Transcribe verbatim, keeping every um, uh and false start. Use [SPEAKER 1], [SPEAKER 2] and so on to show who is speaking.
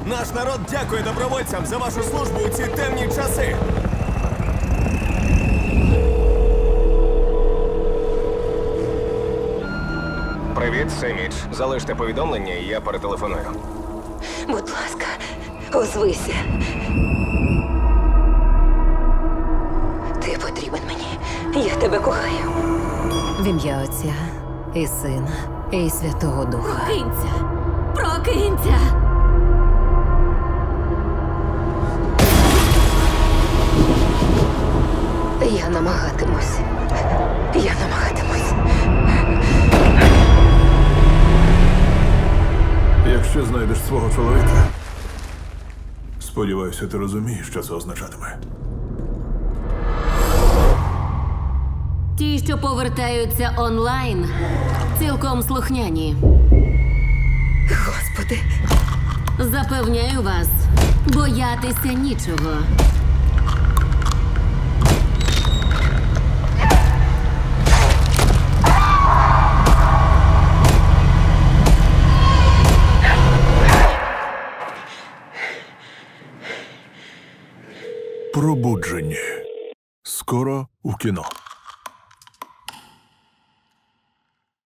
[SPEAKER 1] Наш народ дякує добровольцям за вашу службу у ці темні часи.
[SPEAKER 2] Привіт, це Міч. Залиште повідомлення, і я перетелефоную.
[SPEAKER 3] Будь ласка, озвися. Ти потрібен мені. Я тебе кохаю.
[SPEAKER 4] В ім'я Отця і Сина, і Святого Духа.
[SPEAKER 3] Прокинься! Прокинься! Я намагатимусь. Я намагатимусь.
[SPEAKER 5] Якщо знайдеш свого чоловіка, сподіваюся, ти розумієш, що це означатиме.
[SPEAKER 6] Ті, що повертаються онлайн, цілком слухняні.
[SPEAKER 3] Господи,
[SPEAKER 6] Запевняю вас, боятися нічого.
[SPEAKER 5] Пробудження. Скоро у кіно.